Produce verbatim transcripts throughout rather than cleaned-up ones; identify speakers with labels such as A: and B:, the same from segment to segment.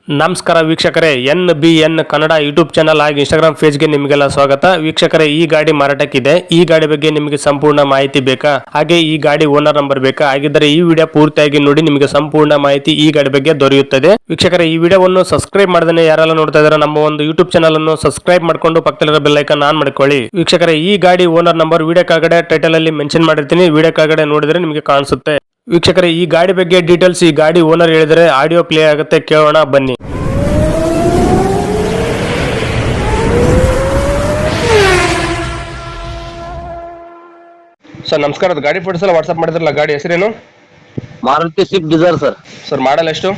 A: ನಮಸ್ಕಾರ ವೀಕ್ಷಕರೇ, N B N Kannada YouTube channel ಹಾಗೂ ಇನ್ಸ್ಟಾಗ್ರಾಮ್ ಪೇಜ್ಗೆ ನಿಮಗೆಲ್ಲ ಸ್ವಾಗತ. ವೀಕ್ಷಕರೇ, ಈ ಗಾಡಿ ಮಾರಾಟಕ್ಕಿದೆ. ಈ ಗಾಡಿ ಬಗ್ಗೆ ನಿಮಗೆ ಸಂಪೂರ್ಣ ಮಾಹಿತಿ ಬೇಕಾ, ಹಾಗೆ ಈ ಗಾಡಿ ಓನರ್ ನಂಬರ್ ಬೇಕಾ? ಹಾಗಿದ್ದರೆ ಈ ವಿಡಿಯೋ ಪೂರ್ತಿಯಾಗಿ ನೋಡಿ, ನಿಮಗೆ ಸಂಪೂರ್ಣ ಮಾಹಿತಿ ಈ ಗಾಡಿ ಬಗ್ಗೆ ದೊರೆಯುತ್ತದೆ. ವೀಕ್ಷಕರೇ, ಈ ವಿಡಿಯೋವನ್ನು ಸಬ್ಸ್ಕ್ರೈಬ್ ಮಾಡದೇ ಯಾರೆಲ್ಲ ನೋಡ್ತಾ ಇದ್ದಾರೆ ನಮ್ಮ ಒಂದು ಯೂಟ್ಯೂಬ್ ಚಾನಲ್ ಅನ್ನು ಸಬ್ಸ್ಕ್ರೈಬ್ ಮಾಡ್ಕೊಂಡು ಪಕ್ಕದಲ್ಲಿರೋ ಬೆಲ್ ಐಕಾನ್ ಆನ್ ಮಾಡ್ಕೊಳ್ಳಿ. ವೀಕ್ಷಕರೇ, ಈ ಗಾಡಿ ಓನರ್ ನಂಬರ್ ವಿಡಿಯೋ ಕೆಳಗಡೆ ಟೈಟಲ್ ಅಲ್ಲಿ ಮೆನ್ಷನ್ ಮಾಡಿರ್ತೀನಿ, ವಿಡಿಯೋ ಕೆಳಗಡೆ ನೋಡಿದ್ರೆ ನಿಮಗೆ ಕಾಣಿಸುತ್ತೆ. ವೀಕ್ಷಕರೇ, ಈ ಗಾಡಿ ಬಗ್ಗೆ ಡೀಟೇಲ್ಸ್ ಈ ಗಾಡಿ ಓನರ್ ಹೇಳಿದರೆ ಆಡಿಯೋ ಪ್ಲೇ ಆಗುತ್ತೆ, ಕೇಳೋಣ ಬನ್ನಿ. ಸರ್ ನಮಸ್ಕಾರ, ಅದು ಗಾಡಿ ಫೋಟೋಸ್ ಎಲ್ಲ ವಾಟ್ಸ್ಆಪ್ ಮಾಡಿದ್ರಲ್ಲ, ಗಾಡಿ ಹೆಸರೇನು?
B: Maruti Swift Dzire sir.
A: Sir model ಎಷ್ಟು?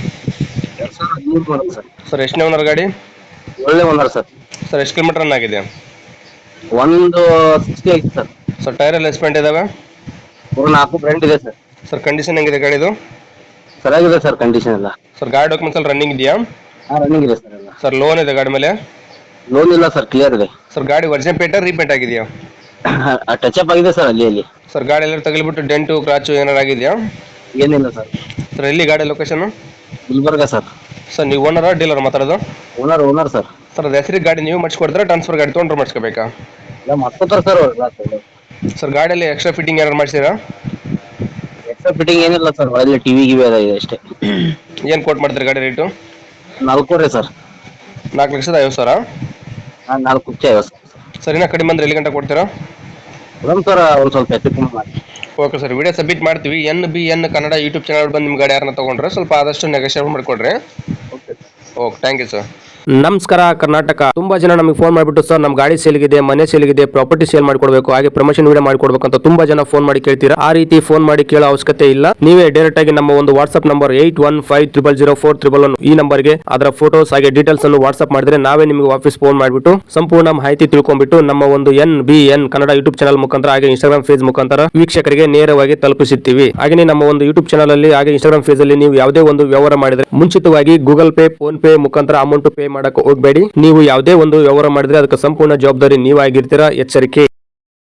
A: ಸರ್ ಎಷ್ಟನೇ ಓನರ್ ಗಾಡಿ?
B: ಒಳ್ಳೆ ಓನರ್ ಸರ್.
A: ಸರ್ ಎಷ್ಟು ಕಿಲೋಮೀಟರ್ ರನ್ ಆಗಿದೆ?
B: ಒಂದು ಸಿಕ್ಸ್ಟಿ ಐತಿ ಸರ್.
A: ಸರ್ ಟೈರ್ ಎಲ್ಲ ಎಸ್ಪೆಂಟ್ ಇದಾವೆ?
B: ಒಂದು ನಾಲ್ಕು ಬ್ರ್ಯಾಂಡ್ ಇದೆ ಸರ್.
A: ಸರ್ ಕಂಡೀಷನ್ ಹೆಂಗಿದೆ ಗಾಡಿದು?
B: ಚೆನ್ನಾಗಿದೆ ಸರ್ ಕಂಡೀಷನ್ ಎಲ್ಲ.
A: ಸರ್ ಗಾಡಿ ಡಾಕ್ಯುಮೆಂಟ್ಸ್ ಎಲ್ಲ ರನ್ನಿಂಗ್ ಇದೆಯಾ?
B: ಹಾಂ ರನ್ನಿಂಗ್ ಇದೆ ಸರ್ ಎಲ್ಲ.
A: ಸರ್ ಲೋನ್ ಇದೆ ಗಾಡಿ ಮೇಲೆ?
B: ಲೋನ್ ಇಲ್ಲ ಸರ್, ಕ್ಲಿಯರ್ ಇದೆ.
A: ಸರ್ ಗಾಡಿ ವರ್ಜನ್ ಪೇಂಟ್ ರೀಪೇಂಟ್ ಆಗಿದೆಯಾ?
B: ಟಚ್ ಅಪ್ ಆಗಿದೆ ಸರ್ ಅಲ್ಲಿ ಅಲ್ಲಿ.
A: ಸರ್ ಗಾಡಿ ಎಲ್ಲ ತಗಲಿಬಿಟ್ಟು ಡೆಂಟು ಕ್ರಾಚು ಏನಾರು ಆಗಿದೆಯಾ?
B: ಏನಿಲ್ಲ ಸರ್.
A: ಸರ್ ಎಲ್ಲಿ ಗಾಡಿ ಲೊಕೇಶನ್?
B: ಗುಲ್ಬರ್ಗ ಸರ್.
A: ಸರ್ ನೀವು ಓನರಾ ಡೀಲರ್ ಮಾತಾಡೋದು?
B: Owner owner sir.
A: ಸರ್ ಅದು ಹೆಸರಿಗೆ ಗಾಡಿ ನೀವು ಮಾಡಿಸ್ಕೊಡ್ತಾರೆ, ಟ್ರಾನ್ಸ್ಫರ್ ಗಾಡಿ ತೊಗೊಂಡ್ರೆ ಮಾಡಿಸ್ಕೋಬೇಕಾ?
B: ಎಲ್ಲ ಮಾಡ್ಕೊತಾರೆ ಸರ್ ಅವ್ರು.
A: ಸರ್ ಗಾಡಿಯಲ್ಲಿ ಎಕ್ಸ್ಟ್ರಾ ಫಿಟ್ಟಿಂಗ್ ಏನಾರು ಮಾಡಿಸಿರಾ?
B: ಎಕ್ಸ್ಟ್ರಾ ಫಿಟ್ಟಿಂಗ್ ಏನಿಲ್ಲ ಸರ್, ಒಳ್ಳೆ ಟಿವಿ ಗಿವಿ ಅದ ಇದೆ ಅಷ್ಟೇ.
A: ಏನು ಕೋಟ್ ಮಾಡ್ತೀರಿ ಗಾಡಿ ರೇಟು?
B: ನಾಲ್ಕೂವರೆ ಸರ್.
A: ನಾಲ್ಕು ಲಕ್ಷದ ಐವತ್ತು ಸಾವಿರ?
B: ಹಾಂ ನಾಲ್ಕು ಕುಚ್ಚ ಐವತ್ತು ಸರ್.
A: ಸರ್ ಇನ್ನೂ ಕಡಿಮೆ ಅಂದ್ರೆ ಎಲ್ಲಿ ಗಂಟೆ ಕೊಡ್ತೀರಾ?
B: ಮೇಡಮ್ ಸರ್ ಒಂದು ಸ್ವಲ್ಪ ಹೆಚ್ಚು ಕಮ್ಮಿ ಮಾಡಿ.
A: ಓಕೆ ಸರ್, ವಿಡಿಯೋ ಸಬ್ಮಿಟ್ ಮಾಡ್ತೀವಿ. N B N Kannada YouTube channel ಬಂದು ನಿಮ್ಮ ಗಾಡಿ ಯಾರನ್ನ ತೊಗೊಂಡ್ರೆ ಸ್ವಲ್ಪ ಆದಷ್ಟು ನೆಗೋಷಿಯೇಟ್ ಮಾಡಿಕೊಡ್ರಿ.
B: Okay
A: okay, thank you sir.
C: ನಮಸ್ಕಾರ ಕರ್ನಾಟಕ. ತುಂಬಾ ಜನ ನಮಗೆ ಫೋನ್ ಮಾಡಿಬಿಟ್ಟು ಸರ್ ನಮ್ಮ ಗಾಡಿ ಸೇಲ್ಗಿದೆ, ಮನೆ ಸೇಲ್ಗಿದೆ, ಪ್ರಾಪರ್ಟಿ ಸೇಲ್ ಮಾಡ್ಕೊಡ್ಬೇಕು, ಹಾಗೆ ಪ್ರಮೋಷನ್ ವಿಡಿಯೋ ಮಾಡ್ಕೊಡ್ಬೇಕು ಅಂತ ತುಂಬಾ ಜನ ಫೋನ್ ಮಾಡಿ ಕೇಳ್ತೀರಾ. ಆ ರೀತಿ ಫೋನ್ ಮಾಡಿ ಕೇಳೋ ಅವಶ್ಯಕತೆ ಇಲ್ಲ. ನೀವೇ ಡೈರೆಕ್ಟ್ ಆಗಿ ನಮ್ಮ ಒಂದು WhatsApp number eight one five triple zero four triple one ಈ ನಂಬರ್ಗೆ ಅದರ ಫೋಟೋಸ್ ಹಾಗೆ ಡೀಟೇಲ್ಸ್ ಅನ್ನು ವಾಟ್ಸ್ಆಪ್ ಮಾಡಿದ್ರೆ ನಾವೇ ನಿಮಗೆ ವಾಪಸ್ ಫೋನ್ ಮಾಡಿಬಿಟ್ಟು ಸಂಪೂರ್ಣ ಮಾಹಿತಿ ತಿಳ್ಕೊಂಡ್ಬಿಟ್ಟು ನಮ್ಮ ಒಂದು N B N Kannada YouTube channel ಮುಖಾಂತರ ಹಾಗೆ ಇನ್ಸ್ಟಾಗ್ರಾಮ್ ಪೇಜ್ ಮುಖಾಂತರ ವೀಕ್ಷಕರಿಗೆ ನೇರವಾಗಿ ತಲುಪಿಸುತ್ತೀವಿ. ಹಾಗೆ ನಮ್ಮ ಒಂದು ಯೂಟ್ಯೂಬ್ ಚಾನಲ್ ಅಲ್ಲಿ ಹಾಗೆ ಇನ್ಸ್ಟಾಗ್ರಾಮ್ ಪೇಜ್ ಅಲ್ಲಿ ನೀವು ಯಾವುದೇ ಒಂದು ವ್ಯವಹಾರ ಮಾಡಿದ್ರೆ ಮುಂಚಿತವಾಗಿ ಗೂಗಲ್ ಪೇ, ಫೋನ್ ಪೇ ಮುಖಾಂತರ ಅಮೌಂಟ್ ಪೇ ಮಾಡಕ್ಕೆ ಹೋಗಬೇಡಿ. ನೀವು ಯಾವುದೇ ಒಂದು ವ್ಯವಹಾರ ಮಾಡಿದ್ರೆ ಅದಕ್ಕೆ ಸಂಪೂರ್ಣ ಜವಾಬ್ದಾರಿ ನೀವಾಗಿರ್ತೀರಾ, ಎಚ್ಚರಿಕೆ.